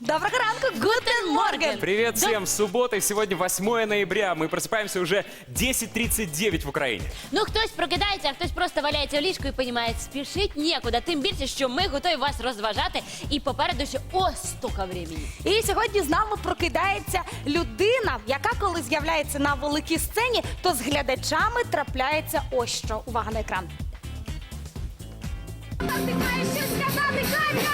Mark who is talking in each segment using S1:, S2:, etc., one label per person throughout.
S1: Доброго ранку, гутен морген!
S2: Привет всем! Суббота, сегодня 8 ноября. Мы просыпаемся уже 10:39 в Україні.
S3: Ну, хтось прокидається, а хтось просто валяється в ліжку і розуміє, спішить нікуди. Тим більше, що ми готові вас розважати. І попереду ще стільки времени.
S1: І сьогодні з нами прокидається людина, яка коли з'являється на великій сцені, то з глядачами трапляється ось що. Увага на екран.
S4: Ти маєш щось сказати, Катя!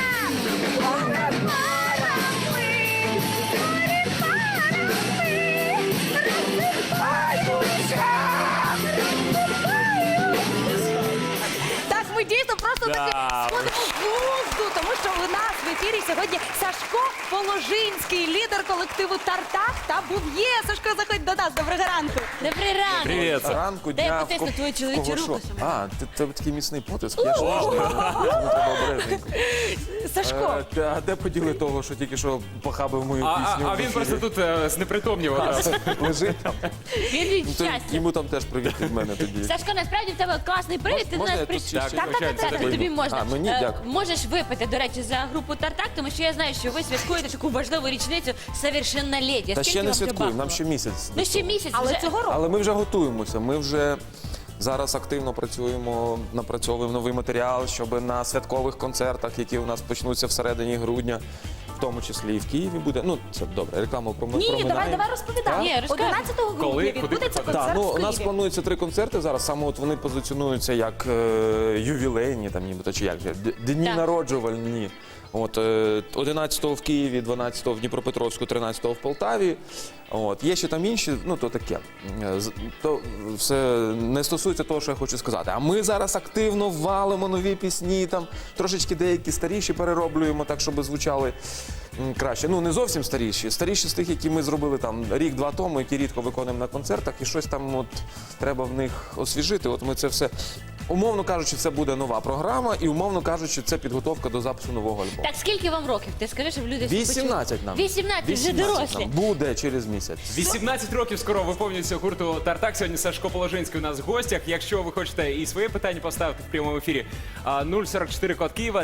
S1: Так, ми дійсно просто таки сходимо з глузду, тому що у нас в ефірі сьогодні Сашко Положинський, лідер колективу «Тартак» та «Був'є». Сашко, заходь до нас. Доброго ранку.
S3: Добрий ранок.
S2: Привет.
S5: Ранку,
S3: Дай я
S5: дня,
S3: потисну твою чоловічу
S5: кого
S3: руку.
S5: що? А, тебе такий міцний потиск, я ж не треба обережненько.
S1: Сашко,
S5: А де поділи того, що тільки що похабив мою пісню?
S2: А він просто тут знепритомнів одразу.
S5: лежить там.
S3: Він від
S5: То
S3: щастя.
S5: Йому там теж привіт від мене тоді.
S3: Сашко, насправді в тебе класний привід, ти до
S5: Можна
S3: нас
S5: я
S3: прийшов.
S5: тут ще-
S2: Так, звичайно, це
S3: Так,
S2: тобі.
S3: тобі можна.
S5: А, мені? Дякую.
S3: Можеш випити, до речі, за групу «Тартак», тому що я знаю, що ви святкуєте таку важливу річницю совершенноліття.
S5: Та
S3: Скільки
S5: ще не
S3: вам вже
S5: святкуємо, нам
S3: бахнуло?
S5: ще місяць.
S3: Ну, ще місяць
S1: але
S3: вже.
S1: цього року.
S5: Але ми вже готуємося, ми вже зараз активно працюємо, напрацьовуємо новий матеріал, щоб на святкових концертах, які у нас почнуться всередині грудня, в тому числі і в Києві буде. Ну, це добре, рекламу
S1: ні, давай розповідай.
S3: Ні, розказуй.
S1: 11 грудня
S2: Коли?
S1: відбудеться
S2: Куди
S1: концерт
S5: Так, ну
S1: в
S5: у нас
S1: Києві.
S5: планується 3 концерти зараз. Саме от вони позиціонуються як ювілейні, там нібито чи як же, дні
S3: Так.
S5: народжувальні. От 11-го в Києві, 12-го в Дніпропетровську, 13-го в Полтаві. От є ще там інші, ну то таке. То все не стосується того, що я хочу сказати. А ми зараз активно валимо нові пісні, там трошечки деякі старіші перероблюємо, так щоб звучали краще. Ну не зовсім старіші. Старіші з тих, які ми зробили там рік-два тому, які рідко виконуємо на концертах, і щось там от треба в них освіжити. От ми це все. Умовно кажучи, це буде нова програма, і умовно кажучи, це підготовка до запису нового альбому.
S3: Так, скільки вам років? Ти скажи, щоб люди...
S5: 18 нам.
S3: 18, вже
S5: 18
S3: дорослі.
S5: нам. Буде через місяць.
S2: 18 років скоро виповнюється гурту «Тартак». Сьогодні Сашко Положинський у нас в гостях. Якщо ви хочете і своє питання поставити в прямому ефірі, 044 код Києва,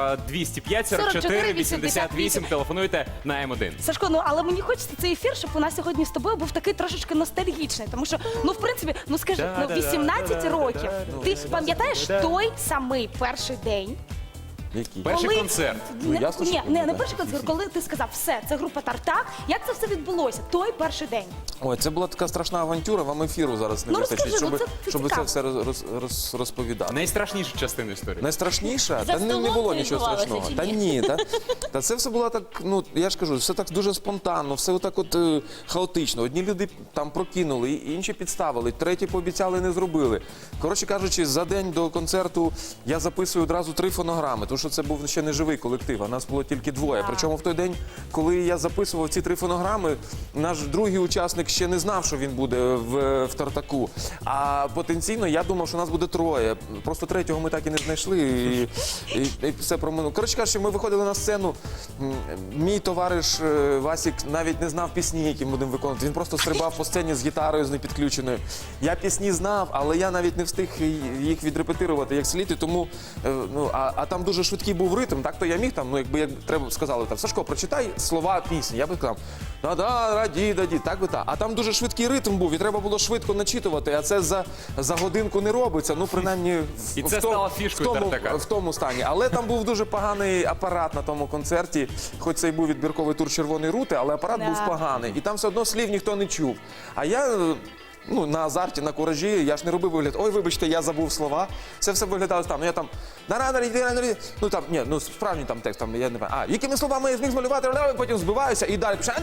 S2: 205 44 88. Телефонуйте на М1.
S1: Сашко, ну але мені хочеться цей ефір, щоб у нас сьогодні з тобою був такий трошечки ностальгічний. Тому що, ну в принципі, ну скажи, ну 18 років. Ти пам'ятаєш той самий перший день?
S5: Які?
S2: Перший концерт.
S5: Ну, ясно, що
S1: Ні, не
S5: пам'ятаю.
S1: перший концерт, коли ти сказав, все, це група «Тартак». Як це все відбулося? Той перший день.
S5: Ой, це була така страшна авантюра, вам ефіру зараз не
S1: Ну,
S5: вистачить,
S1: розкажи, ну,
S5: щоб,
S1: це
S5: щоб це
S1: цікаво.
S5: все розповідати.
S2: Найстрашніша частина історії.
S5: Найстрашніше?
S3: За
S5: Та не
S3: столом
S5: було
S3: це
S5: нічого
S3: відбувалося
S5: страшного.
S3: чи
S5: Та
S3: ні?
S5: ні, та це все було так, ну я ж кажу, все так дуже спонтанно, все отак от хаотично. Одні люди там прокинули, інші підставили, треті пообіцяли, не зробили. Коротше кажучи, за день до концерту я записую одразу 3 фонограми, тому що це був ще не живий колектив, а нас було тільки 2. Причому в той день, коли я записував ці 3 фонограми, наш другий учасник ще не знав, що він буде в «Тартаку». А потенційно я думав, що нас буде 3. Просто 3-го ми так і не знайшли. І все проминуло. Коротше кажучи, ми виходили на сцену. Мій товариш Васік навіть не знав пісні, які ми будемо виконувати. Він просто стрибав по сцені з гітарою з непідключеною. Я пісні знав, але я навіть не встиг їх відрепетирувати як слід. І тому, ну, а там дуже швидкий був ритм. Так то я міг там, ну якби як треба сказали, там Сашко, прочитай слова пісні. Я би сказав, да-да, раді-даді, так би так. А там дуже швидкий ритм був, і треба було швидко начитувати, а це за годинку не робиться. Ну, принаймні,
S2: І це стало фішкою «Тартака».
S5: в тому стані. Але там був дуже поганий апарат на тому концерті, хоч це й був відбірковий тур «Червоної рути», але апарат був поганий. І там все одно слів ніхто не чув. А я... Ну, на азарті, на куражі, я ж не робив вигляд, ой, вибачте, я забув слова. Це все виглядало там. Ну, я там, ну, там, ні, ну, справжній там текст, там, я не знаю, якими словами я зміг змалювати, потім збиваюся і далі пише.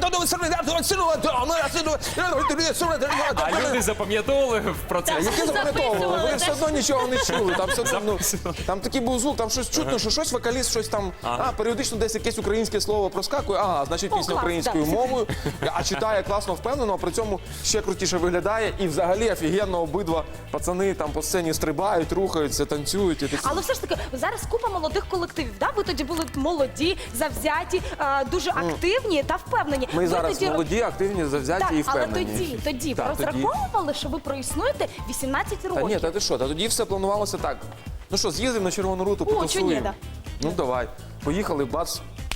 S2: А люди запам'ятовували в процесі.
S5: Які запам'ятовували? Вони все одно нічого не чули. Там, все одно, ну,
S2: Записували.
S5: там такий був звук, там щось чутно, що щось вокаліст, щось там, періодично десь якесь українське слово проскакує, значить
S1: Ну,
S5: пісня
S1: клас,
S5: українською
S1: да.
S5: мовою, а читає класно, впевнено, а при цьому ще крутіше виглядає. І взагалі офігенно обидва пацани там по сцені стрибають, рухаються, танцюють. І такі.
S1: Але все ж таки, зараз купа молодих колективів. Да? Ви тоді були молоді, завзяті, дуже активні та впевнені.
S5: Ми
S1: Ви
S5: зараз
S1: тоді...
S5: молоді, активні, завзяті
S1: Так,
S5: і
S1: але
S5: впевнені.
S1: тоді ви
S5: Так,
S1: розраховували, що ви проіснуєте 18
S5: Та
S1: років.
S5: ні, та ти що, та тоді все планувалося так. Ну що, з'їздив на Червону руту,
S1: О,
S5: потусуємо.
S1: чого ні, да.
S5: Ну давай. Поїхали, бац,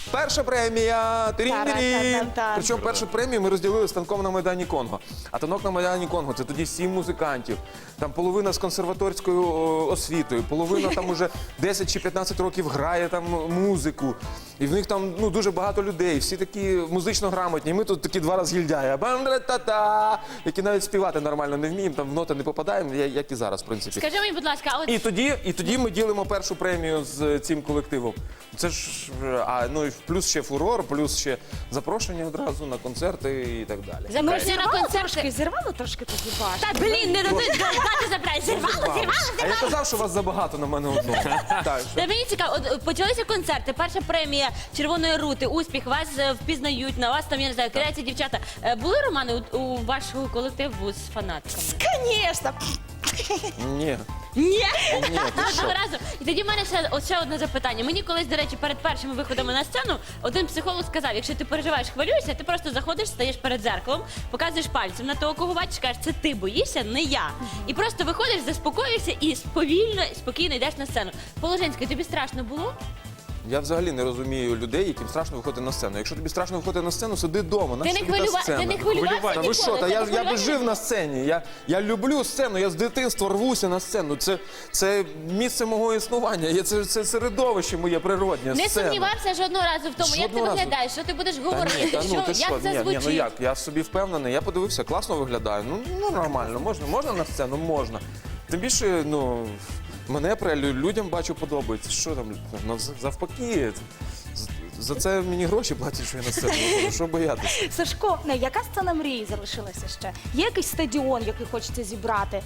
S5: Перша премія.
S1: Тара-та-та-та.
S5: Причому першу премію ми розділили станком на Майдані Конго. А танок на Майдані Конго це тоді 7 музикантів. Там половина з консерваторською освітою, половина там уже 10 чи 15 років грає там музику. І в них там ну, дуже багато людей, всі такі музично грамотні. І ми тут такі два розгільдяї. Бандра-та-та, які навіть співати нормально не вміємо, там в ноти не попадаємо, як і зараз, в принципі.
S3: Скажи мені, будь ласка, а от
S5: І тоді ми ділимо першу премію з цим колективом. Це ж ну і плюс ще фурор, плюс ще запрошення одразу на концерти і так далі.
S3: запрошення на концерти.
S1: Зірвало трошки тоді баш.
S3: Та блін, не дати забрати. Зірвало.
S5: А я казав, що вас забагато на мене одного. Так, що?
S3: Та мені цікаво, от почалися концерти, перша премія Червоної рути, успіх, вас впізнають, на вас там, я не знаю, кидаються дівчата. Були романи у вашого колективу з фанатками?
S1: Звісно.
S5: Ні.
S3: Ні.
S5: Ні, ти що?
S3: Одного разу. І тоді в мене ще одне запитання. Мені колись, до речі, перед першими виходами на сцену один психолог сказав, якщо ти переживаєш, хвилюєшся, ти просто заходиш, стаєш перед дзеркалом, показуєш пальцем на того, кого бачиш, кажеш, це ти боїшся, не я. І просто виходиш, заспокоюєшся і повільно, спокійно йдеш на сцену. Положенська, тобі страшно було?
S5: Я взагалі не розумію людей, яким страшно виходити на сцену. Якщо тобі страшно виходити на сцену, сиди вдома.
S3: Ти не хвилювався
S5: Та ви що, та я би жив на сцені. Я люблю сцену, я з дитинства рвуся на сцену. Це місце мого існування, це середовище моє природнє.
S3: Не
S5: сцена.
S3: сумнівався жодного разу в тому, як ти
S5: Жодного разу.
S3: виглядаєш, що ти будеш
S5: Та
S3: говорити,
S5: ні, та ну ти
S3: як
S5: що,
S3: це
S5: ні,
S3: звучить.
S5: ну як, я собі впевнений, я подивився, класно виглядаю, ну нормально, можна на сцену, можна. Тим більше, ну, мене людям бачу подобається, що там, ну, завпаки, за це мені гроші платять, що я на сцену виходжу, що боятися.
S1: Сашко, яка сцена мрії залишилася ще? Є якийсь стадіон, який хочеться зібрати?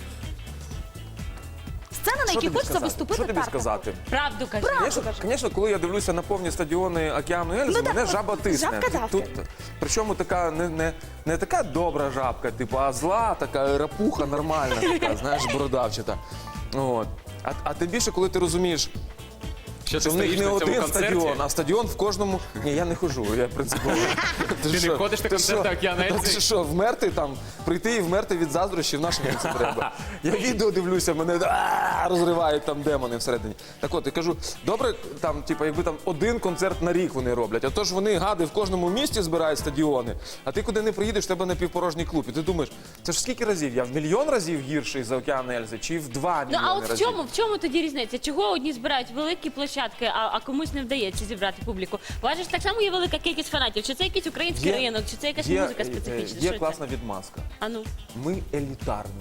S1: Сцена, на
S5: Що
S1: якій
S5: тобі
S1: хочеться
S5: сказати?
S1: виступити
S5: Що тобі
S1: Таркову.
S5: сказати?
S3: Правду кажи.
S5: Звісно, коли я дивлюся на повні стадіони Океану Ельзи,
S1: Ну, так,
S5: мене
S1: от,
S5: жаба тисне.
S1: жабка
S5: Тут, причому така не така добра жабка, типу, а зла, така рапуха нормальна, така, знаєш, бородавчата. От. А тим більше, коли ти розумієш,
S2: Що
S5: що
S2: ти
S5: в них
S2: стоїш
S5: не
S2: на цьому
S5: один
S2: концерті?
S5: стадіон, а стадіон в кожному. Ні, я не хожу, я принципово.
S2: Ти не ходиш на концерти Океану Ельзи?
S5: Ти що, вмерти там, прийти і вмерти від заздрощів, на що мені це треба? Я відео дивлюся, мене розривають там демони всередині. Так от, я кажу, добре, там, типу, якби там один концерт на рік вони роблять, а то ж вони, гади, в кожному місті збирають стадіони, а ти куди не приїдеш, в тебе напівпорожній клуб. І ти думаєш, це ж скільки разів? Я в мільйон разів гірший за Океан Ельзи, чи в 2
S3: Ну
S5: мільйони
S3: а от
S5: разів?
S3: в чому тоді різниця? Чого одні збирають великі площадки, а комусь не вдається зібрати публіку? Бачиш, так само є велика кількість фанатів. Чи це якийсь український ринок, чи це якась музика специфічна?
S5: Є
S3: Що
S5: класна відмазка.
S3: це? А ну.
S5: Ми елітарні.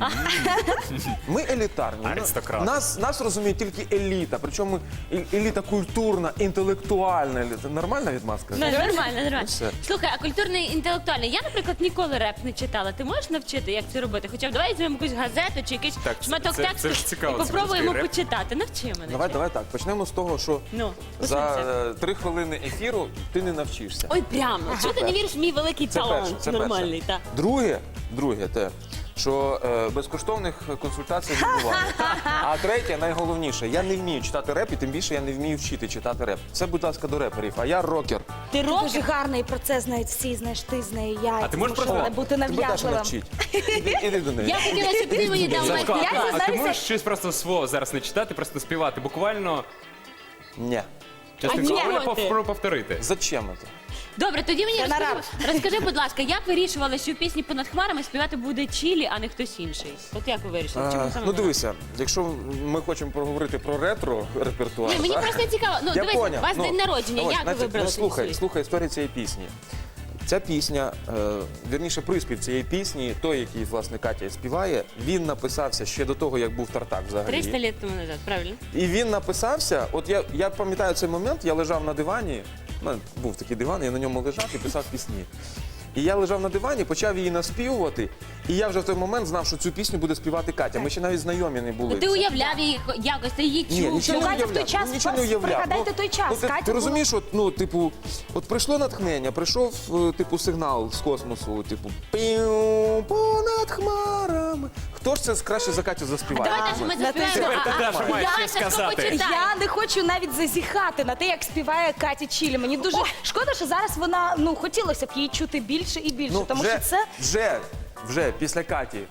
S5: Ми елітарні.
S2: Аристократи.
S5: Нас розуміє тільки еліта, причому еліта культурна, інтелектуальна еліта. Нормальна відмазка?
S3: Нормально.
S5: Все.
S3: Слухай, а культурний інтелектуальний. Я, наприклад, ніколи реп не читала. Ти можеш навчити, як це робити? Хоча б давай візьмемо якусь газету чи якийсь
S2: Так,
S3: шматок
S2: це
S3: тексту
S2: ж цікаво,
S3: і
S2: це
S3: попробуємо
S2: русський реп.
S3: почитати. Навчи мене.
S5: Давай так. Почнемо з того, що
S3: Ну,
S5: за
S3: послухайся.
S5: 3 хвилини ефіру ти не навчишся.
S3: Ой, прямо. Чого ти не віриш в мій великий
S5: Це
S3: талант?
S5: перше, це
S3: Нормальний,
S5: перше.
S3: так.
S5: Друге те, що безкоштовних консультацій не буває. А третє, найголовніше, я не вмію читати реп, і тим більше я не вмію вчити читати реп. Це, будь ласка, до реперів, а я рокер.
S3: Ти
S1: Дуже
S3: рокер?
S1: гарний процес знають всі, знаєш, ти знає я.
S2: А ти можеш
S1: Тому що
S2: просто-
S1: не бути
S5: Тебе теж
S1: нав'язливим.
S5: навчить. Іди до неї.
S3: Я хотіла, щоб ти мені дав
S2: Сашко,
S3: майстер.
S1: Я
S2: а ти
S1: дізнаюся-
S2: можеш щось просто свого зараз не читати, просто співати? Буквально
S5: Ні.
S2: частинку
S3: ні,
S2: роли повторити.
S5: Зачем це?
S3: Добре, тоді мені
S1: Це на
S3: розкажи, будь ласка, як вирішували, що в пісні «Понад хмарами» співати буде Чілі, а не хтось інший? От як ви вирішили? Чому саме
S5: Ну
S3: вона?
S5: дивися, якщо ми хочемо поговорити про ретро-репертуар.
S3: Ні, мені
S5: так?
S3: просто цікаво. Ну,
S5: Я
S3: дивись,
S5: поняв.
S3: у вас день народження,
S5: ось,
S3: як ви
S5: значить,
S3: вибрали?
S5: слухай історію цієї пісні. Ця пісня, вірніше, приспів цієї пісні, той, який, власне, Катя співає, він написався ще до того, як був Тартак взагалі.
S3: 300 років тому назад, правильно?
S5: І він написався, от я пам'ятаю цей момент, я лежав на дивані, у мене був такий диван, я на ньому лежав і писав пісні. І я лежав на дивані, почав її наспівувати, і я вже в той момент знав, що цю пісню буде співати Катя. Ми ще навіть знайомі не були.
S3: Ну, ти уявляв її якось, ти її
S5: Ні,
S3: чув.
S5: нічого не
S1: Катя в той
S5: уявляв.
S1: час,
S5: Нічого не уявляв.
S1: пригадайте той час.
S5: Ти
S1: Катя
S5: розумієш, от прийшло натхнення, прийшов сигнал з космосу, піу, понад хмарами. Хто ж це краще за Катю заспіває?
S3: Давайте ж ми
S1: Тепер
S3: заспіваємо.
S2: ти, Даша, маєш
S3: Даша,
S2: щось сказати.
S3: що почитай?
S1: Я не хочу навіть зазіхати на те, як співає Катя Чілі. Мені дуже шкода, що зараз вона, хотілося б її чути більше і більше, тому що це...
S5: Вже після Каті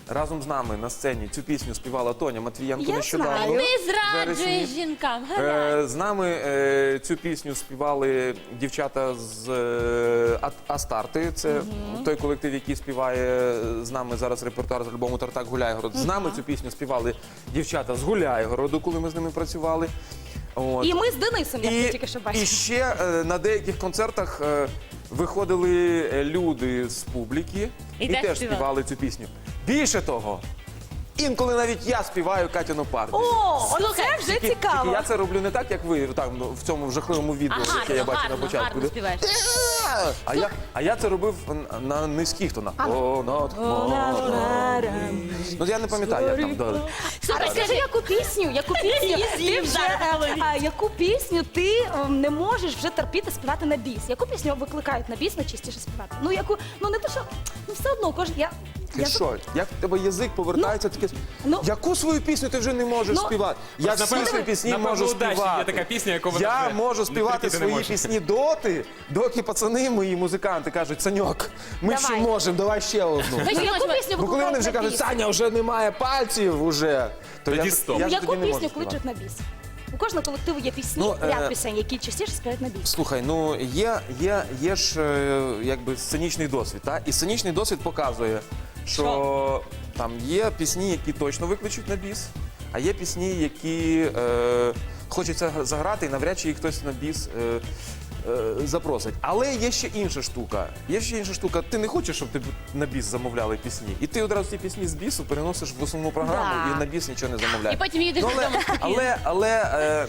S5: разом з нами на сцені цю пісню співала Тоня Матвієнко
S1: Я
S5: нещодавно.
S1: знаю.
S3: Ти
S5: Вересні.
S3: зраджуєш жінкам. Гадай.
S5: З нами цю пісню співали дівчата з Астарти. Це той колектив, який співає з нами зараз репертуар з альбому «Тартак Гуляйгород». З нами цю пісню співали дівчата з Гуляйгороду, коли ми з ними працювали. От.
S1: І ми з Денисом, як ви тільки що
S5: І
S1: бачили.
S5: ще на деяких концертах виходили люди з публіки
S3: І
S5: і
S3: теж
S5: теж
S3: співали.
S5: співали цю пісню. Більше того, інколи навіть я співаю Катяну партію.
S1: О,
S3: Слухай,
S1: оце вже
S5: Тільки
S1: цікаво.
S5: я це роблю не так, як ви там в цьому жахливому відео, яке я бачу на початку.
S3: гарно співаєш.
S5: А я це робив на низьких тонах. Ну я не пам'ятаю, як там далі.
S1: А розкажи, яку пісню ти вже, яку пісню ти не можеш вже терпіти співати на біс? Яку пісню викликають на біс найчастіше співати? Ну яку, ну не те, що ну все одно кожен.
S5: Ти що? Як в тебе язик повертається таке?
S1: ну-
S5: Яку свою пісню ти вже не можеш
S1: Ну-
S5: співати? Я всі
S2: Напевно,
S5: свої пісні
S2: напевно,
S5: можу
S2: «Удачі»
S5: співати.
S2: є така пісня, яку вона
S5: Я
S2: вже
S5: можу співати
S2: терпіти не
S5: свої
S2: може.
S5: пісні доки пацани мої музиканти кажуть: Саньок, ми
S1: Давай.
S5: ще можемо, давай ще одну.
S1: Ну, яку пісню
S5: Бо коли вони
S1: викликають
S5: вже
S1: на
S5: кажуть,
S1: біс?
S5: Саня, вже немає пальців, уже, то
S2: Тоді
S5: я,
S2: стоп.
S5: я ж
S1: Яку
S5: тоді не можу
S1: пісню
S5: співати.
S1: кличуть на біс? У кожного колективу є пісні,
S5: Ну,
S1: ряд пісень, які частіше співають на біс.
S5: Слухай, ну є ж якби сценічний досвід, та? І сценічний досвід показує, що там є пісні, які точно викличуть на біс, а є пісні, які хочеться заграти, і навряд чи їх хтось на біс запросить. Але є ще інша штука. Ти не хочеш, щоб тебе на біс замовляли пісні. І ти одразу ці пісні з бісу переносиш в основну програму
S1: Да.
S5: і на біс нічого не замовляєш.
S3: І потім їдеш
S5: Ну,
S3: додому спокійно.
S5: але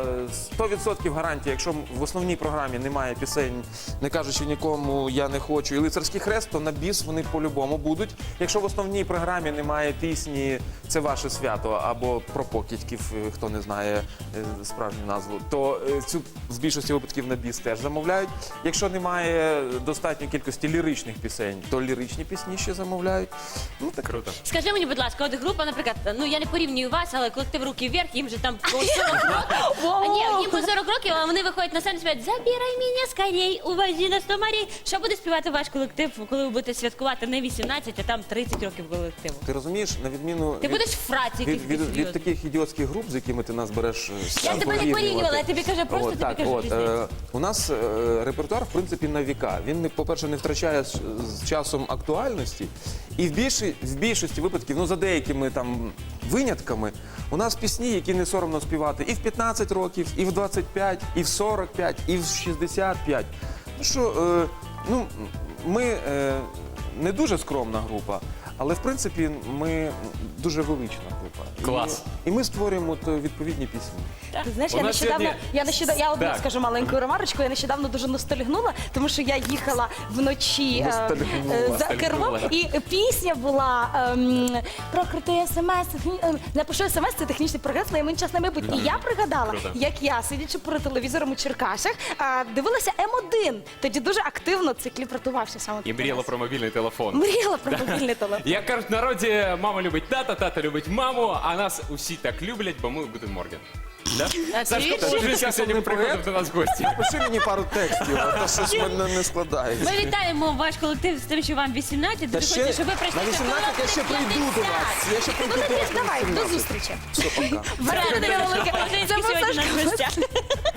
S5: 100% гарантія, якщо в основній програмі немає пісень, не кажучи нікому я не хочу, і лицарський хрест, то на біс вони по-любому будуть. Якщо в основній програмі немає пісні «Це ваше свято» або про покидьків, хто не знає справжню назву, то цю в більшості випадків на біс теж замовляють. Якщо немає достатньої кількості ліричних пісень, то ліричні пісні ще замовляють. Ну так
S2: Круто.
S3: Скажи мені, будь ласка, от група, наприклад, ну я не порівнюю вас, але колектив «Руки вверх», їм же там по 40 років. Ні, їм по 40 років, а вони виходять на сцену і співають «Забирай мене скорей, увози на 100 морей». Що буде співати ваш колектив, коли ви будете святкувати не 18, а там 30 років колективу?
S5: ти розумієш, на відміну
S3: Ти будеш в фраці якийсь
S5: від таких ідіотських груп, з якими ти нас береш.
S3: Я тебе не порівнювала, я тобі кажу, просто тобі кажу різницю.
S5: У нас репертуар, в принципі, на віка. Він, по-перше, не втрачає з часом актуальності. І в більшості випадків, ну за деякими там винятками, у нас пісні, які не соромно співати і в 15 років, і в 25, і в 45, і в 65. Ну що, ми не дуже скромна група, але в принципі ми дуже велична група.
S2: Клас.
S5: І ми створюємо відповідні пісні.
S1: Ти знаєш,
S2: У
S1: я
S2: нас
S1: нещодавно, я одну
S2: Так.
S1: скажу маленьку ремарочку, я нещодавно дуже ностальгнула, тому що я їхала вночі
S5: Ностальгнула.
S1: за кермом, і пісня була про крутий смс, напишу смс, це технічний прогрес, на час на майбутнє. І я пригадала,
S2: Круто.
S1: як я, сидячи перед телевізором у Черкасах, дивилася М1. Тоді дуже активно цей кліп рятувався саме.
S2: І мріяла про мобільний телефон.
S1: Мріяла про мобільний телефон.
S2: Як кажуть в народі, мама любить тата, тата любить маму, а нас усі так люблять, бо ми Гутен Морген. Да? Сашко
S3: ти
S2: Положинський сьогодні приходив до нас в гості.
S5: Пиши мені пару текстів, а то щось в мене не складається.
S3: Ми вітаємо ваш колектив з тим, що вам 18. Дуже хочеться, щоб ви прийшли
S5: на 18 я ще прийду до вас. Я ще прийду до вас.
S1: Давай,
S5: на
S1: до
S5: 18.
S1: зустрічі.
S5: Все, пока.
S1: Це
S3: Положинський
S1: був
S3: сьогодні
S1: Сашко.
S3: наш гостя.